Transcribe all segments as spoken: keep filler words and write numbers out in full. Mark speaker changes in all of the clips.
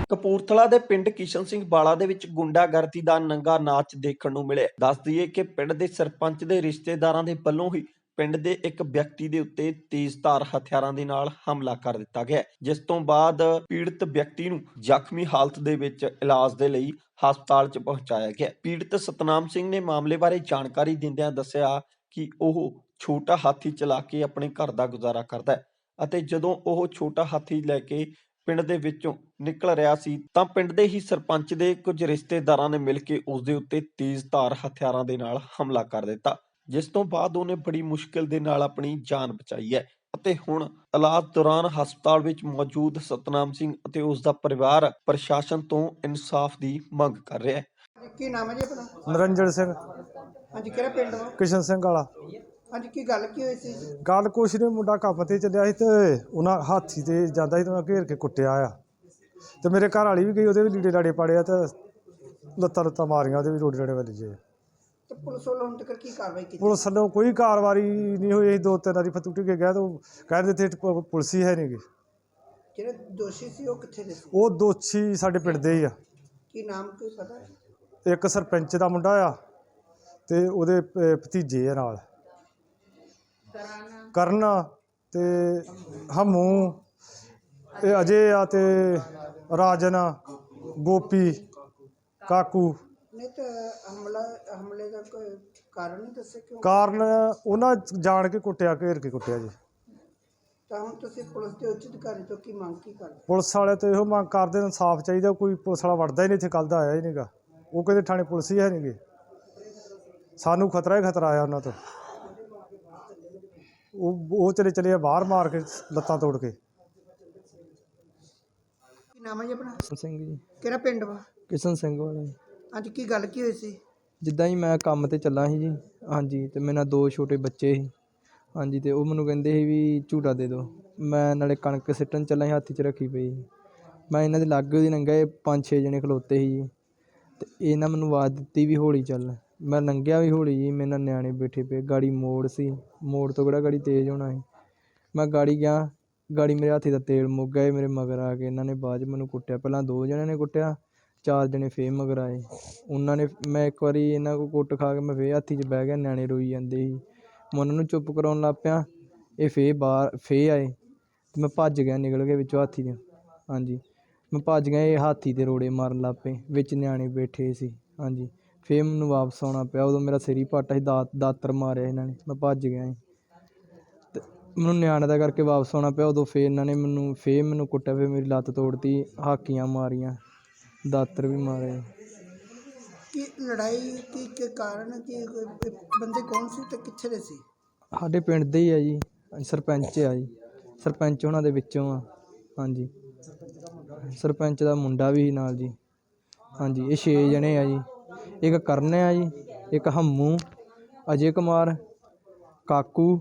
Speaker 1: ਕਪੂਰਥਲਾ ਦੇ ਪਿੰਡ ਕਿਸ਼ਨ ਸਿੰਘ ਵਾਲਾ ਦੇ ਵਿੱਚ ਗੁੰਡਾਗਰਦੀ ਦਾ ਨੰਗਾ ਨਾਚ ਦੇਖਣ ਨੂੰ ਮਿਲਿਆ। ਦੱਸ ਦਈਏ ਕਿ ਪਿੰਡ ਦੇ ਸਰਪੰਚ ਦੇ ਰਿਸ਼ਤੇਦਾਰਾਂ ਦੇ ਵੱਲੋਂ ਹੀ ਪਿੰਡ ਦੇ ਇੱਕ ਵਿਅਕਤੀ ਦੇ ਉੱਤੇ ਤੇਜ਼ਧਾਰ ਹਥਿਆਰਾਂ ਦੇ ਨਾਲ ਹਮਲਾ ਕਰ ਦਿੱਤਾ ਗਿਆ, ਜਿਸ ਤੋਂ ਬਾਅਦ ਪੀੜਤ ਵਿਅਕਤੀ ਨੂੰ ਜ਼ਖਮੀ ਹਾਲਤ ਦੇ ਵਿੱਚ ਇਲਾਜ ਦੇ ਲਈ ਹਸਪਤਾਲ 'ਚ ਪਹੁੰਚਾਇਆ ਗਿਆ। ਪੀੜਤ ਸਤਨਾਮ ਸਿੰਘ ਨੇ ਮਾਮਲੇ ਬਾਰੇ ਜਾਣਕਾਰੀ ਦਿੰਦਿਆਂ ਦੱਸਿਆ ਕਿ ਉਹ ਛੋਟਾ ਹਾਥੀ ਚਲਾ ਕੇ ਆਪਣੇ ਘਰ ਦਾ ਗੁਜ਼ਾਰਾ ਕਰਦਾ ਹੈ ਅਤੇ ਜਦੋਂ ਉਹ ਛੋਟਾ ਹਾਥੀ ਲੈ ਕੇ ਪਿੰਡ ਦੇ ਵਿੱਚੋਂ ਨਿਕਲ ਰਿਹਾ ਸੀ ਤਾਂ ਪਿੰਡ ਦੇ ਹੀ ਸਰਪੰਚ ਦੇ ਕੁਝ ਰਿਸ਼ਤੇਦਾਰਾਂ ਨੇ ਮਿਲ ਕੇ ਉਸ ਦੇ ਉੱਤੇ ਤੇਜ਼ਧਾਰ ਹਥਿਆਰਾਂ ਦੇ ਨਾਲ ਹਮਲਾ ਕਰ ਦਿੱਤਾ, ਜਿਸ ਤੋਂ ਬਾਅਦ ਉਹਨੇ ਬੜੀ ਮੁਸ਼ਕਿਲ ਦੇ ਨਾਲ ਆਪਣੀ ਜਾਨ ਬਚਾਈ ਹੈ ਅਤੇ ਹੁਣ ਇਲਾਜ ਦੌਰਾਨ ਹਸਪਤਾਲ ਵਿੱਚ ਮੌਜੂਦ ਸਤਨਾਮ ਸਿੰਘ ਅਤੇ ਉਸ ਦਾ ਪਰਿਵਾਰ ਪ੍ਰਸ਼ਾਸਨ ਤੋਂ ਇਨਸਾਫ ਦੀ ਮੰਗ ਕਰ ਰਿਹਾ ਹੈ।
Speaker 2: ਕੀ ਨਾਮ ਹੈ ਜੀ ਆਪਣਾ?
Speaker 3: ਨਰਿੰਦਰ ਸਿੰਘ।
Speaker 2: ਹਾਂਜੀ, ਕਿਹੜਾ ਪਿੰਡ ਵਾ?
Speaker 3: ਕਿਸ਼ਨ ਸਿੰਘ ਵਾਲਾ।
Speaker 2: ਹਾਂਜੀ, ਕੀ ਗੱਲ ਕੀ ਹੋਈ ਸੀ?
Speaker 3: ਗੱਲ ਕੁਛ ਨਹੀਂ, ਮੁੰਡਾ ਕੰਮ ਤੇ ਚੱਲਿਆ ਸੀ ਤੇ ਉਹਨਾਂ ਹਾਥੀ ਤੇ ਜਾਂਦਾ ਸੀ ਤੇ ਉਹਨਾਂ ਘੇਰ ਕੇ ਕੁੱਟਿਆ ਆ ਤੇ ਮੇਰੇ ਘਰ ਵਾਲੀ ਵੀ ਗਈ, ਉਹਦੇ ਵੀ ਲੀੜੇ ਲਾੜੇ ਪਾੜੇ ਆ ਤੇ ਲੱਤਾਂ ਲੱਤਾਂ ਮਾਰੀਆਂ, ਉਹਦੇ ਵੀ ਰੋੜੇ ਰਾੜੇ ਵੱਜ ਜੇ।
Speaker 2: ਤੇ ਪੁਲਿਸ ਵੱਲੋਂ ਹੁਣ ਤੱਕ ਕੀ ਕਾਰਵਾਈ ਕੀਤੀ?
Speaker 3: ਪੁਲਿਸ ਵੱਲੋਂ ਕੋਈ ਕਾਰਵਾਈ ਨਹੀਂ ਹੋਈ। ਅਸੀਂ ਦੋ ਤਿੰਨ ਵਾਰੀ ਫਤੂ ਕੇ ਗਿਆ ਤਾਂ ਕਹਿੰਦੇ ਇੱਥੇ ਪੁਲਿਸ ਹੀ ਹੈ ਨਹੀਂ ਗੀ।
Speaker 2: ਜਿਹੜੇ ਦੋਸ਼ੀ ਸੀ ਉਹ ਕਿੱਥੇ ਦੇ ਸੀ?
Speaker 3: ਉਹ ਦੋਸ਼ੀ ਸਾਡੇ ਪਿੰਡ ਦੇ ਹੀ ਆ।
Speaker 2: ਕੀ ਨਾਮ ਕੋਈ ਪਤਾ ਹੈ?
Speaker 3: ਇੱਕ ਸਰਪੰਚ ਦਾ ਮੁੰਡਾ ਆ ਤੇ ਉਹਦੇ ਭ- ਭਤੀਜੇ ਆ ਨਾਲ ਕਰਨ ਤੇ ਹਮੂ, ਇਹ ਅਜੇ ਆ ਤੇ ਰਾਜਨ, ਗੋਪੀ, ਕਾਕੂ।
Speaker 2: ਨਹੀਂ ਤਾਂ ਹਮਲਾ ਹਮਲੇ ਦਾ ਕੋਈ ਕਾਰਨ ਨਹੀਂ ਦੱਸਿਆ ਕਿਉਂ?
Speaker 3: ਕਾਰਨ ਉਹਨਾਂ ਜਾਣ ਕੇ ਕੁੱਟਿਆ, ਘੇਰ ਕੇ ਕੁੱਟਿਆ ਜੀ।
Speaker 2: ਤਾਂ ਹੁਣ ਤੁਸੀਂ ਪੁਲਿਸ ਦੇ ਉੱਚ ਅਧਿਕਾਰੀ ਤੋਂ ਕੀ ਮੰਗ ਕੀ ਕਰਦੇ?
Speaker 3: ਪੁਲਿਸ ਵਾਲੇ ਤਾਂ ਇਹੋ ਮੰਗ ਕਰਦੇ, ਇਨਸਾਫ ਚਾਹੀਦਾ। ਕੋਈ ਪੁਲਿਸ ਵਾਲਾ ਵੜਦਾ ਹੀ ਨਹੀਂ ਇੱਥੇ, ਕੱਲ੍ਹ ਦਾ ਆਇਆ ਹੀ ਨਹੀਂਗਾ। ਉਹ ਕਹਿੰਦੇ ਥਾਣੇ ਪੁਲਿਸ ਹੀ ਹੈ ਨਹੀਂ ਗੇ। ਸਾਨੂੰ ਖਤਰਾ ਹੀ ਖਤਰਾ ਆਇਆ ਉਹਨਾਂ ਤੋਂ। ਉਹ ਉਹ ਚਲੇ ਚਲੇ ਆ ਬਾਹਰ ਮਾਰ ਕੇ ਲੱਤਾਂ ਤੋੜ ਕੇ।
Speaker 2: ਕੀ ਨਾਮ ਹੈ ਜੀ ਆਪਣਾ?
Speaker 4: ਕਿਸ਼ਨ ਸਿੰਘ ਜੀ।
Speaker 2: ਕਿਹੜਾ ਪਿੰਡ ਵਾ?
Speaker 4: ਕਿਸ਼ਨ ਸਿੰਘ ਵਾਲੇ।
Speaker 2: ਹਾਂਜੀ, ਕੀ ਗੱਲ ਕੀ ਹੋਈ ਸੀ?
Speaker 4: ਜਿੱਦਾਂ ਹੀ ਮੈਂ ਕੰਮ ਤੇ ਚੱਲਾ ਸੀ ਜੀ, ਹਾਂਜੀ, ਤੇ ਮੇਰੇ ਨਾਲ ਦੋ ਛੋਟੇ ਬੱਚੇ ਸੀ, ਹਾਂਜੀ, ਤੇ ਉਹ ਮੈਨੂੰ ਕਹਿੰਦੇ ਸੀ ਵੀ ਝੂਟਾ ਦੇ ਦਿਓ। ਮੈਂ ਨਾਲੇ ਕਣਕ ਸਿੱਟਣ ਚੱਲਾ ਸੀ, ਹੱਥ 'ਚ ਰੱਖੀ ਪਈ ਸੀ। ਮੈਂ ਇਹਨਾਂ ਦੇ ਲਾਗੇ ਉਹਦੀ ਲੰਘਿਆ, ਇਹ ਪੰਜ ਛੇ ਜਣੇ ਖਲੋਤੇ ਸੀ ਜੀ, ਤੇ ਇਹਨਾਂ ਮੈਨੂੰ ਆਵਾਜ਼ ਦਿੱਤੀ ਵੀ ਹੌਲੀ ਚੱਲ। ਮੈਂ ਲੰਘਿਆ ਵੀ ਹੌਲੀ ਜੀ, ਮੇਰੇ ਨਾਲ ਨਿਆਣੇ ਬੈਠੇ ਪਏ, ਗਾੜੀ ਮੋੜ ਸੀ, ਮੋੜ ਤੋਂ ਕਿਹੜਾ ਗਾੜੀ ਤੇਜ਼ ਹੋਣਾ ਸੀ। ਮੈਂ ਗਾੜੀ ਗਿਆ, ਗਾੜੀ ਮੇਰੇ ਹੱਥ ਦਾ ਤੇਲ ਮੁੱਕ ਗਿਆ। ਮੇਰੇ ਮਗਰ ਆ ਕੇ ਇਹਨਾਂ ਨੇ ਬਾਅਦ 'ਚ ਮੈਨੂੰ ਕੁੱਟਿਆ। ਪਹਿਲਾਂ ਦੋ ਜਣਿਆਂ ਨੇ ਕੁੱਟਿਆ, ਚਾਰ ਜਣੇ ਫੇਰ ਮਗਰ ਆਏ। ਉਹਨਾਂ ਨੇ, ਮੈਂ ਇੱਕ ਵਾਰੀ ਇਹਨਾਂ ਕੋਲ ਕੁੱਟ ਖਾ ਕੇ ਮੈਂ ਫੇਰ ਹਾਥੀ 'ਚ ਬਹਿ ਗਿਆ, ਨਿਆਣੇ ਰੋਈ ਜਾਂਦੇ ਸੀ। ਮੈਂ ਉਹਨਾਂ ਨੂੰ ਚੁੱਪ ਕਰਾਉਣ ਲੱਗ ਪਿਆ, ਇਹ ਫੇਰ ਬਾਹਰ ਫੇਰ ਆਏ ਅਤੇ ਮੈਂ ਭੱਜ ਗਿਆ, ਨਿਕਲ ਕੇ ਵਿੱਚੋਂ ਹਾਥੀ ਦੇ। ਹਾਂਜੀ, ਮੈਂ ਭੱਜ ਗਿਆ, ਇਹ ਹਾਥੀ 'ਤੇ ਰੋੜੇ ਮਾਰਨ ਲੱਗ ਪਏ, ਵਿੱਚ ਨਿਆਣੇ ਬੈਠੇ ਸੀ। ਹਾਂਜੀ, ਫੇਰ ਮੈਨੂੰ ਵਾਪਸ ਆਉਣਾ ਪਿਆ। ਉਦੋਂ ਮੇਰਾ ਸਿਰ ਹੀ ਪਾਟਾ ਸੀ, ਦਾਤ ਦਾਤਰ ਮਾਰਿਆ ਇਹਨਾਂ ਨੇ, ਮੈਂ ਭੱਜ ਗਿਆ ਸੀ ਅਤੇ ਮੈਨੂੰ ਨਿਆਣੇ ਦਾ ਕਰਕੇ ਵਾਪਸ ਆਉਣਾ ਪਿਆ। ਉਦੋਂ ਫੇਰ ਇਹਨਾਂ ਨੇ ਮੈਨੂੰ ਫੇਰ ਮੈਨੂੰ ਕੁੱਟਿਆ, ਫੇਰ ਮੇਰੀ ਲੱਤ ਤੋੜਤੀ, ਹਾਕੀਆਂ ਮਾਰੀਆਂ, ਦਾਤਰ ਵੀ ਮਾਰੇ।
Speaker 2: ਕੀ ਲੜਾਈ ਕੀ ਕੀ ਕਾਰਨ ਕੀ ਕੋਈ ਬੰਦੇ ਕੌਣ ਸੀ ਤੇ ਕਿੱਥੇ ਦੇ ਸੀ?
Speaker 4: ਸਾਡੇ ਪਿੰਡ ਦੇ ਹੀ ਆ ਜੀ, ਸਰਪੰਚ ਆ ਜੀ, ਸਰਪੰਚ ਉਹਨਾਂ ਦੇ ਵਿੱਚੋਂ ਆ। ਹਾਂਜੀ, ਸਰਪੰਚ ਦਾ ਮੁੰਡਾ ਵੀ ਨਾਲ ਜੀ। ਹਾਂਜੀ, ਇਹ ਛੇ ਜਣੇ ਆ ਜੀ। ਇੱਕ ਕਰਨ ਆ ਜੀ, ਇੱਕ ਹੰਮੂ, ਅਜੇ ਕੁਮਾਰ, ਕਾਕੂ,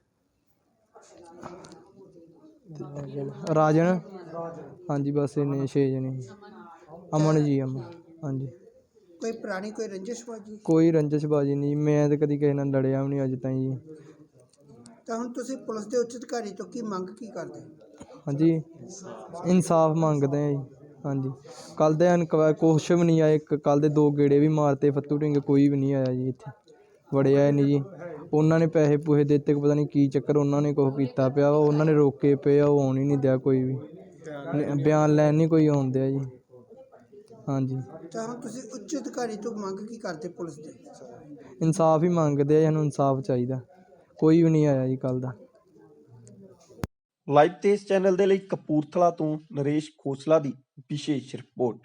Speaker 4: ਰਾਜਨ। ਹਾਂਜੀ, ਬਸ ਇੰਨੇ ਛੇ ਜਣੇ। ਅਮਨ ਜੀ, ਅਮਨ। ਹਾਂਜੀ,
Speaker 2: ਕੋਈ ਪੁਰਾਣੀ ਕੋਈ ਰੰਜਿਸ਼ਬਾਜੀ?
Speaker 4: ਕੋਈ ਰੰਜਿਸ਼ਬਾਜੀ ਨਹੀਂ, ਮੈਂ ਤਾਂ ਕਦੀ ਕਿਸੇ ਨਾਲ ਲੜਿਆ ਵੀ ਨਹੀਂ ਅੱਜ ਤਾਈਂ ਜੀ।
Speaker 2: ਤਾਂ ਹੁਣ ਤੁਸੀਂ ਪੁਲਿਸ ਦੇ ਉੱਚ ਅਧਿਕਾਰੀ ਤੋਂ ਕੀ ਮੰਗ ਕੀ ਕਰਦੇ?
Speaker 4: ਹਾਂਜੀ, ਇਨਸਾਫ ਮੰਗਦੇ ਆ ਜੀ। ਹਾਂਜੀ, ਕੱਲ੍ਹ ਦੇ ਇਨਕੁਆ ਕੁਛ ਵੀ ਨਹੀਂ ਆਏ। ਕੱਲ੍ਹ ਦੇ ਦੋ ਗੇੜੇ ਵੀ ਮਾਰਤੇ ਫੱਤੂ ਢਿੰਗੇ, ਕੋਈ ਵੀ ਨਹੀਂ ਆਇਆ ਜੀ ਇੱਥੇ, ਵੜਿਆ ਨਹੀਂ ਜੀ। ਉਹਨਾਂ ਨੇ ਪੈਸੇ ਪੂਸੇ ਦੇ ਦਿੱਤੇ, ਪਤਾ ਨਹੀਂ ਕੀ ਚੱਕਰ, ਉਹਨਾਂ ਨੇ ਕੁਛ ਕੀਤਾ ਪਿਆ, ਉਹਨਾਂ ਨੇ ਰੋਕੇ ਪਏ ਆ, ਉਹ ਆਉਣ ਹੀ ਨਹੀਂ ਦਿਆ ਕੋਈ ਵੀ, ਬਿਆਨ ਲੈਣ ਨਹੀਂ ਕੋਈ ਆਉਣ ਦਿਆ ਜੀ। ਹਾਂਜੀ,
Speaker 2: ਤਾਂ ਹੁਣ ਤੁਸੀਂ ਉੱਚ ਅਧਿਕਾਰੀ ਤੋਂ ਮੰਗ ਕੀ ਕਰਦੇ ਪੁਲਿਸ ਦੇ?
Speaker 4: ਇਨਸਾਫ ਹੀ ਮੰਗਦੇ ਆ, ਸਾਨੂੰ ਇਨਸਾਫ ਚਾਹੀਦਾ। ਕੋਈ ਵੀ ਨਹੀਂ ਆਇਆ ਜੀ ਕੱਲ੍ਹ ਦਾ।
Speaker 1: ਲਾਈਵ ਤੇਜ਼ ਚੈਨਲ ਦੇ ਲਈ ਕਪੂਰਥਲਾ ਤੋਂ ਨਰੇਸ਼ ਖੋਸਲਾ ਦੀ ਵਿਸ਼ੇਸ਼ ਰਿਪੋਰਟ।